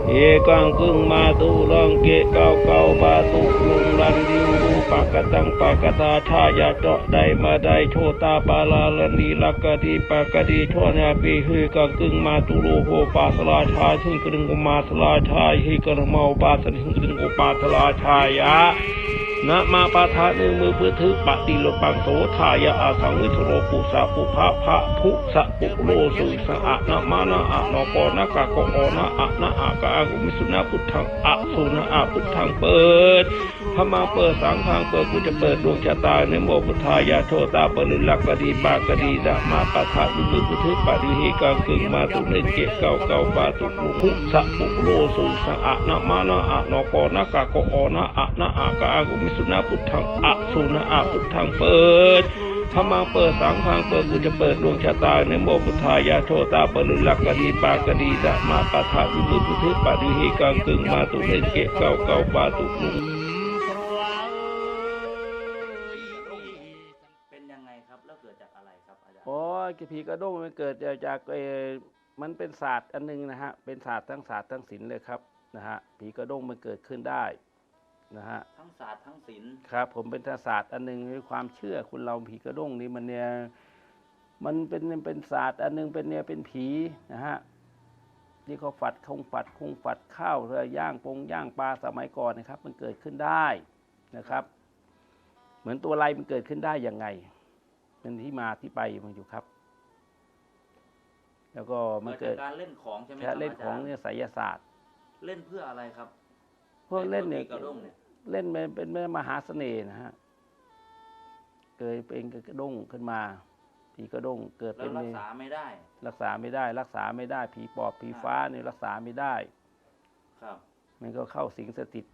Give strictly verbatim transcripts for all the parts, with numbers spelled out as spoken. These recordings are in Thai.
เอกังกึ่งมาตุลังเกะเก้าเก้าบาตุลุงรันดิวรูปากตังปากตาชายาเจาะได้มาได้โชตาปาลาลนีลักกะดีปากดีโชนาปีฮือกังกึ่งมาตุโลโหปาสลาชาหิงกรึงกุมาสลาชาหิกระเมาปาสหิงกรึงกุปาสลาชายะนะมาปาทาหนึ่งมือเพื่อถือปฏิโลปังโสทายะอาสังวิโรปุสะปุภะภะภุสะปุโรสุสะอะนะมานะอะนปนะกะกอนะอะนะอะกะอากุมิสุนะพุทธังอะสุนะอะพุทธังเปิดพระมาเปิดสังฆังเปิดกูจะเปิดดวงชะตาในโมพุทธายะโชตาปริลักกะดีปากะดีดะมาปาทาหนึ่งมือเพื่อถือปฏิหิกังกึ่งมาตุเนเกะเก้าเก้าบาตุภุสะปุโรสุสะอะนะมานะอะนปนะกะกอนะอะนะอะกะอากุมิสุนะพุทธังอะสุนะอะพุทธังเปิดพระมาเปิดสังฆังเปิดกูจะเปิดดวงชะตาในโมพุทธายะโชตาปริลักกะดีปากะดีดะมาปาทาหนึ่งมือเพื่อถือปฏิหิกังกึ่งมาตุเนเกะเก้าเก้าบาตุลุงเป็นยังไงครับแล้วเกิดจากอะไรครับอาจารย์โอ้ยผีกระด้งมันเกิดจากเออมันเป็นศาสตร์อันนึงนะฮะเป็นศาสตร์ทั้งศาสตร์ทั้งศิลป์เลยครับนะฮะผีกระด้งมันเกิดขึ้นได้นะฮะทั้งศาสตร์ทั้งศิลป์ครับผมเป็นศาสตร์อันนึงในความเชื่อคุณเราผีกระด้งนี่มันเนี่ยมันเป็นเป็นศาสตร์อันนึงเป็นเนี่ยเป็นผีนะฮะที่เขาฝัดคงฝัดคงฝัดข้าวเรือย่างปงย่างปลาสมัยก่อนนะครับมันเกิดขึ้นได้นะครับเหมือนตัวอะไรมันเกิดขึ้นได้ยังไงเป็นที่มาที่ไปมันอยู่ครับแล้วก็มันเกิดการเล่นของใช่ไหมครัรับบ เล่นของเนี่ยไสยศาสตร์เล่นเพื่ออะไรครับพวกเล่นเนี่ยกระด้งเนี่ยเล่นเป็นเป็นมหาเสน่ห์นะฮะเกิดเป็นกระด้งขึ้นมาผีกระด้งเกิดเป็นรักษาไม่ได้รักษาไม่ได้รักษาไม่ได้ผีปอบผีฟ้าเนี่ยรักษาไม่ได้ครับมันก็เข้าสิงสถิต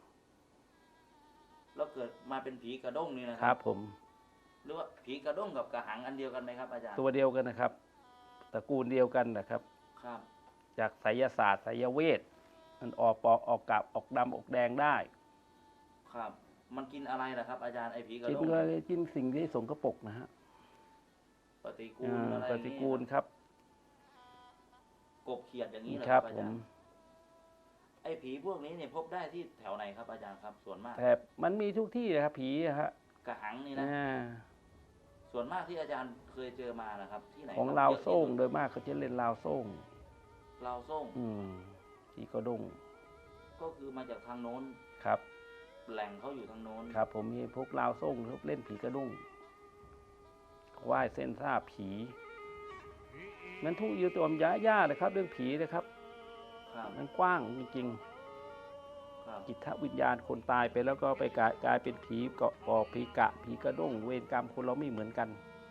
แล้วเกิดมาเป็นผีกระด้งนี่นะครับผมหรือว่าผีกระด้งกับกระหังอันเดียวกันไหมครับอาจารย์ตัวเดียวกันนะครับตระกูลเดียวกันนะครับครับจากไสยศาสตร์ไสยเวทมันออกปอกออกกลับออกดำออกแดงได้ครับมันกินอะไรล่ะครับอาจารย์ไอ้ผีกระกินด้งก็กินสิ่งที่สกปรกนะฮะปฏิกูลอะไรปฏิกูลครับกบเขียดอย่างนี้เหรอครับผมไอ้ผีพวกนี้เนี่ยพบได้ที่แถวไหนครับอาจารย์ครับส่วนมากแต่มันมีทุกที่นะครับผีฮะกระหังนี่นะส่วนมากที่อาจารย์เคยเจอมานะครับที่ไหนของลาวโซ่งโดยมากเขาจะเล่นลาวโซ่งลาวโซ่งอืมผีกระด้งก็คือมาจากทางโน้นครับแหล่งเขาอยู่ทางโน้นครับผมมีพวกลาวโซ่งเขาเล่นผีกระด้งไหว้เส้นซ่าผีมันทุกอยู่ตัวมย้าย่าเลยครับเรื่องผีนะครับมันกว้างจริงๆจิตวิญญาณคนตายไปแล้วก็ไปกลายกลายเป็นผีเกาะกอผีกะผีกระด้งเวรกรรมคนเราไม่เหมือนกัน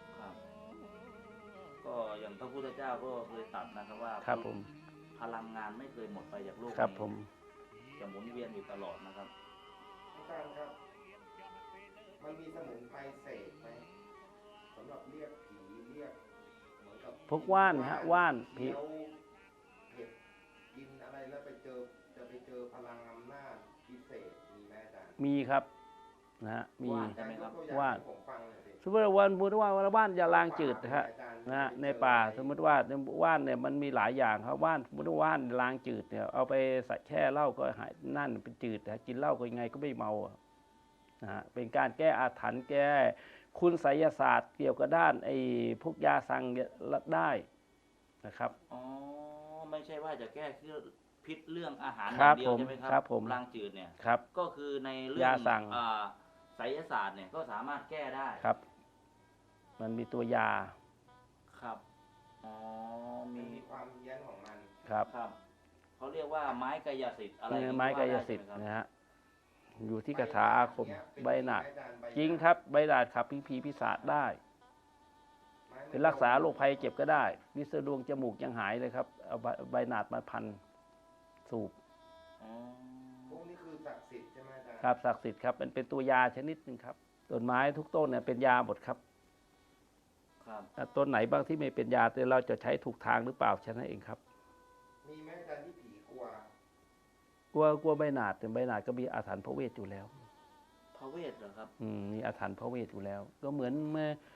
ก็อย่างพระพุทธเจ้าก็เคยตรัสนะครับว่าครับผมพลังงานไม่เคยหมดไปจากโลกครับผมจะหมุนเวียนอยู่ตลอดนะครับอาจารย์ครับมันมีสมุนไพรเสกไหมสำหรับเรียกผีเรียกเหมือนกับพวกว่านฮะว่านผีเห็ดกินอะไรแล้วไปเจอจะไปเจอพลังอำนาจพิเศษมีไหมอาจารย์มีครับนะฮะมีว่านสมมติว่าวันสมมติว่าว่านยาลางจืดนะฮะนะฮะในป่าสมมติว่าว่านเนี่ยมันมีหลายอย่างครับว่านสมมติว่าว่านลางจืดเนี่ยเอาไปใส่แช่เหล้าก็หายนั่นเป็นจืดนะกินเหล้าก็ยังไงก็ไม่เมานะฮะเป็นการแก้อาถรรพ์แก้คุณไสยศาสตร์เกี่ยวกับด้านไอ้พวกยาสั่งได้นะครับอ๋อไม่ใช่ว่าจะแก้คือพิษเรื่องอาหารอย่างเดียวใช่ไหมครับครับผมลางจืดเนี่ยครับก็คือในเรื่องยาสั่งไสยศาสตร์เนี่ยก็สามารถแก้ได้ครับมันมีตัวยาครับอ๋อมีความเย็นของมันครับครับเขาเรียกว่าไม้กายสิทธิ์อะไรไม้กายสิทธิ์นะฮะอยู่ที่คาถาอาคมใบหนาดจริงครับใบหนาดขับผีผีพิศาจได้เป็นรักษาโรคภัยเจ็บก็ได้วิสดวงจมูกยังหายเลยครับเอาใบหนาดมาพันสูบพวกนี้คือศักดิ์สิทธิ์ใช่ไหมอาจารย์ครับศักดิ์สิทธิ์ครับเป็นเป็นตัวยาชนิดหนึ่งครับต้นไม้ทุกต้นเนี่ยเป็นยาหมดครับต้นไหนบ้างที่ไม่เป็นยาแต่เราจะใช้ถูกทางหรือเปล่าแค่นั้นเองครับมีไหมอาจารย์ที่ผีกลัวกลัวกลัวใบหนาดแต่ใบหนาดก็มีอาถรรพ์พระเวทอยู่แล้วพระเวทเหรอครับอืมมีอาถรรพ์พระเวทอยู่แล้วก็เหมือนเมื่อ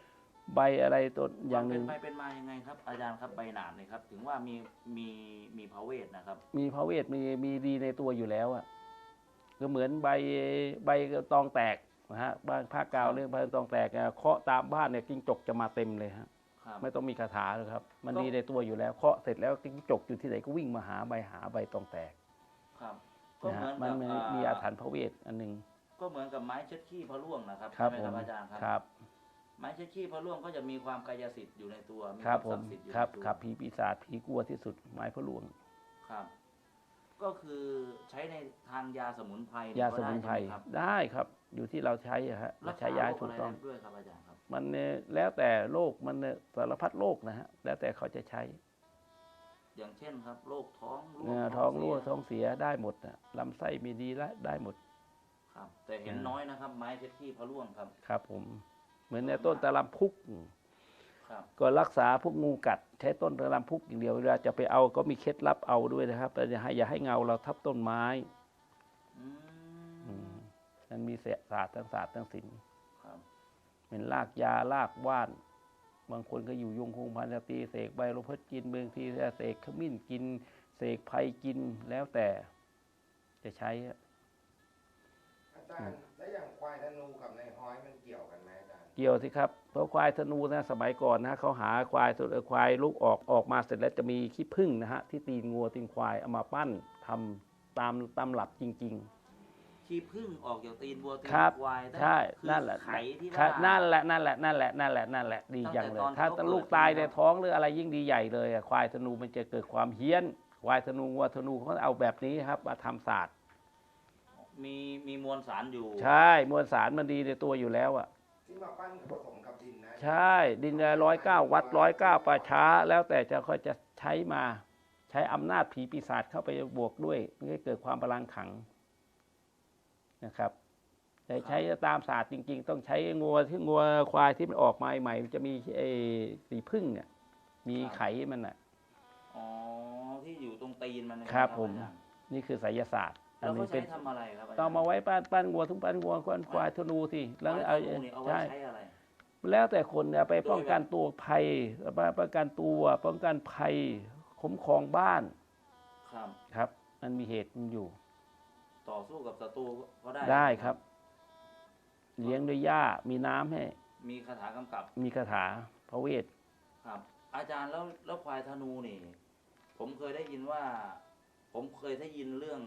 ใบอะไรต้นอย่างหนึ่งเป็นไปเป็นมายังไงครับ อาจารย์ครับใบหนาดเนี่ยครับ ถึงว่ามีมีมีพระเวทนะครับมีพระเวทมีมีดีในตัวอยู่แล้วอ่ะก็เหมือนใบใบตองแตกนะฮะบ้านภาคกลางเรื่องใบตองแตกเคาะตามบ้านเนี่ยจิ้งจกจะมาเต็มเลยฮะครับไม่ต้องมีคาถาเลยครับ มันก็ดีในตัวอยู่แล้วเคาะเสร็จแล้วจิ้งจกอยู่ที่ไหนก็วิ่งมาหาใบหาใบตองแตกครับ ก็นะเหมืฮะอนมันกับมีอ่ามีอาถรรพ์พระเวทอันหนึ่งก็เหมือนกับไม้เช็ดขี้พระร่วงนะครับครับใช่ไหมผมครับอาจารย์ครับครับไม้เช็ดขี้พระร่วงก็จะมีความกายสิทธิ์อยู่ในตัว มีครับคผวามมศักดิ์สิทธิ์อยู่ครับในตัวครับผีปีศาจผีกลัวที่สุดไม้พระหลวงครับ ก็คือใช้ในทางยาสมุนไพรยาก็สมุนไพรได้ใช่หครับได้ครับ อยู่ที่เราใช้อะฮะรัเรากใช้ษายาโรให้คถูอะกไรต้องได้ด้วยครับอาจารย์ครับมันเนี่ยแล้วแต่โรคมันเนี่ยสารพัดโรคนะฮะแล้วแต่เขาจะใช้อย่างเช่นครับโรคท้องร่วเนื้งอท้องเสีรั่วย ท้องเสียได้หมดนะลำไส้มีดีและได้หมดครับ แต่เห็นอ่าน้อยนะครับ ไม้เช็ดขี้พระร่วงครับครับผมเหมือนในต้นตะลำพุกครับก็รักษาพวกงูกัด ใช้ต้นตะลำพุกอย่างเดียวเวลาจะไปเอาก็มีเคล็ดลับเอาด้วยนะครับแต่อย่าให้อย่าให้เงาเราทับต้นไม้อือืมมมันมีศาสตร์ทั้งศาสตร์ทั้งศิลป์ครับเป็นรากยารากว่าน บางคนก็อยู่ยงคงพันธุ์ตีเสกใบลมพัดกินเมืองทีเสกขมิ้นกินเสกไพรกินแล้วแต่จะใช้อะอาจารย์แล้วอย่างควายธนูกับนายฮ้อยมันเกี่ยวกันไหมอาจารย์เกี่ยวสิครับเพราะควายธนูนะสมัยก่อนนะเขาหาควายตัวควายลูกออกออกมาเสร็จแล้วจะมีขี้ผึ้งนะฮะที่ตีนงัวตีนควายเอามาปั้นทำตามตามหลักจริงขี้ผึ้งออกจากตีนวัวตีนครับควายๆ ใช่คือนั่นแหละไขที่ครัว่าบนั่นแหละนั่นแหละนั่นแหละนั่นแหละนั่นแหละดีตั้งจังแต่เลยตอนที่ถ้าเขาลูกเกิดตายใช่ไหมในครับท้องหรืออะไรยิ่งดีใหญ่เลยอะควายธนูมันจะเกิดความเฮี้ยน ควายธนูวัวธนูเขาเอาแบบนี้ครับมาทำศาสตร์มีมีมวลสารอยู่ใช่มวลสารมันดีในตัวอยู่แล้วอ่ะที่มาปั้นผสมกับดินนะใช่ดินร้อยเก้าวัดร้อยเก้าป่าช้า แล้วแต่จะค่อยจะใช้มา ใช้อำนาจผีปีศาจเข้าไปบวกด้วยเพื่อให้เกิดความพลังขังนะครับแต่ใช้ตามศาสตร์จริง ๆ ต้องใช้งัวที่งัวควายที่มันออกมาใหม่มันจะมีไอ้สีพึ่งเนี่ยมีไขมันอ่ะอ๋อ ที่อยู่ตรงตีนมันนะครับผมอาจารย์นี่คือไสยศาสตร์อัแล้วนเขานี้ใช้เป็นทำอะไรครับอาจารย์ต้องมาไว้ปั้นปั้นงัวทุกปั้นงัวปั้นควายธนูสิแล้วไม้เอาธนูนี่เอาไว้ใช่ใช้อะไรแล้วแต่คนเนี่ยไปป้องกันตัวภัยป้องกันตัวป้องกันภัยคุ้มครองบ้านครับครับ มันมีเหตุมันอยู่ต่อสู้กับศัตรูก็ได้ได้ครับ เลี้ยงด้วยหญ้ามีน้ำให้มีคาถากำกับมีคาถาพระเวทครับ อาจารย์แล้วแล้วควายธนูนี่ ผมเคยได้ยินว่า ผมเคยได้ยินเรื่อง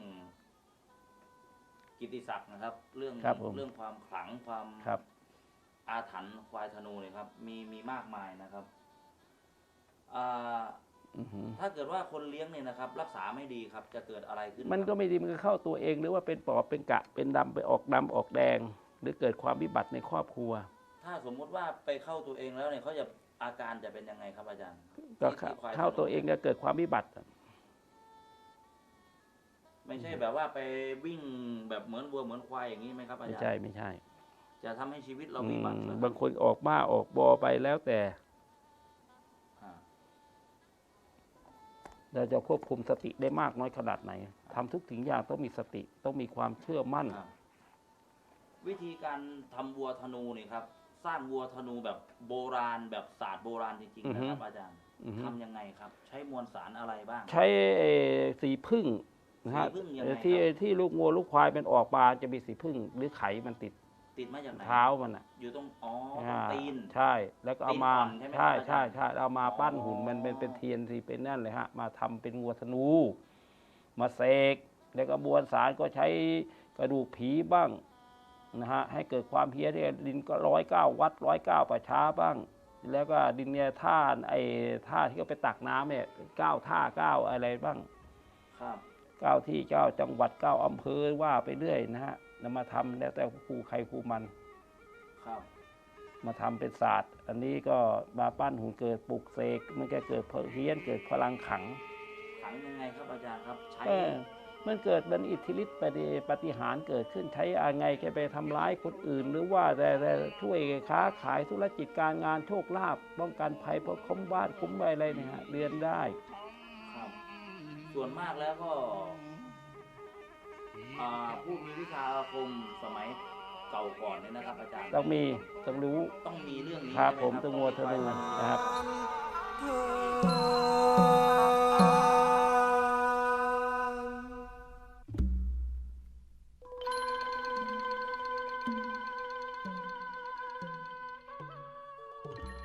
กิตติศักดิ์นะครับ เรื่องครับผมเรื่องความขลังความครับอาถรรพ์ควายธนูเนี่ยครับ มีมีมากมายนะครับอ่าอือหือถ้าเกิดว่าคนเลี้ยงเนี่ยนะครับ รักษาไม่ดีครับ จะเกิดอะไรขึ้นมันก็ครับไม่ดีมันก็เข้าตัวเองหรือว่าเป็นปอบเป็นกะ เป็นดำไปออกดำออกแดง หรือเกิดความวิบัติในครอบครัวถ้าสมมุติว่าไปเข้าตัวเองแล้วเนี่ยเขาจะอาการจะเป็นยังไงครับอาจารย์ก็ที่ที่ควายเข้าตัวเองก็เกิดความวิบัติไม่ใช่แบบว่าไปวิ่งแบบเหมือนวัวเหมือนควายอย่างนี้ไหมครับอาไม่จารย์ใช่ไม่ใช่จะทำให้ชีวิตเราอืวิบัติมเหรอครับบางคนออกบ้าออกบอไปแล้วแต่อ่าเราจะควบคุมสติได้มากน้อยขนาดไหนทำทุกสิ่งอย่างต้องมีสติ ต้องมีความเชื่อมั่นครับวิธีการทำวัวธนูนี่ครับ สร้างวัวธนูแบบโบราณแบบศาสตร์โบราณจริงอือๆฮึนะครับอาจารย์อือฮึทำยังไงครับ ใช้มวลสารอะไรบ้างใช้เอ่อสีพึ่งนะฮะสีผึ้งยังไงครับที่ที่ลูกงัวลูกควายมันออกมาจะมีสีพึ่งหรือไขมันติดติดมาจากไหนเท้ามันอ่ะอยู่ตรงอ๋อตรงอ่าตีนใช่แล้วก็เอามาตีนอ่อนใช่ไหมใช่ครับอาจารย์ใช่ใช่เอามาปั้นอ๋อหุ่นมันเป็นเป็นเทียนสีเป็นนั่นเลยฮะมาทำเป็นงัวธนู มาเสกแล้วก็บวนสารก็ใช้กระดูกผีบ้างนะฮะให้เกิดความเพี้ยนเนี่ยดินก็ร้อยเก้าวัดร้อยเก้าป่าช้าบ้าง แล้วก็ดินเนี่ยท่าไอ้ท่าที่เขาไปตักน้ำเนี่ยเก้าท่าเก้าอะไรบ้างครับเก้าที่เก้าจังหวัดเก้าอำเภอว่าไปเรื่อยนะฮะนำมาทำแล้วแต่ครูใครครูมันครับมาทำเป็นศาสตร์ อันนี้ก็มาปั้นหุ่นเกิดปลุกเสกมันก็เกิดเพี้ยนเกิดพลังขังขังยังไงครับอาจารย์ครับ ใช้ก็มันเกิดเป็นอิทธิฤทธิ์ปฏิปฏิหารย์เกิดขึ้นใช้อะไรแกไปทำร้ายคนอื่น หรือว่าแต่แต่ช่วยค้าขายธุรกิจการงานโชคลาภป้องกันภัยเพราะคุ้มบ้านคุ้มอะไรเนี่ยฮะเรียนได้ครับ ส่วนมากแล้วก็อ่าผู้มีวิชาอาคมสมัยเก่าก่อนเนี่ยนะครับอาจารย์ต้องมีต้องรู้ต้องมีเรื่องนี้ครับใช่ผมไหต้องวัวธนูนะครับค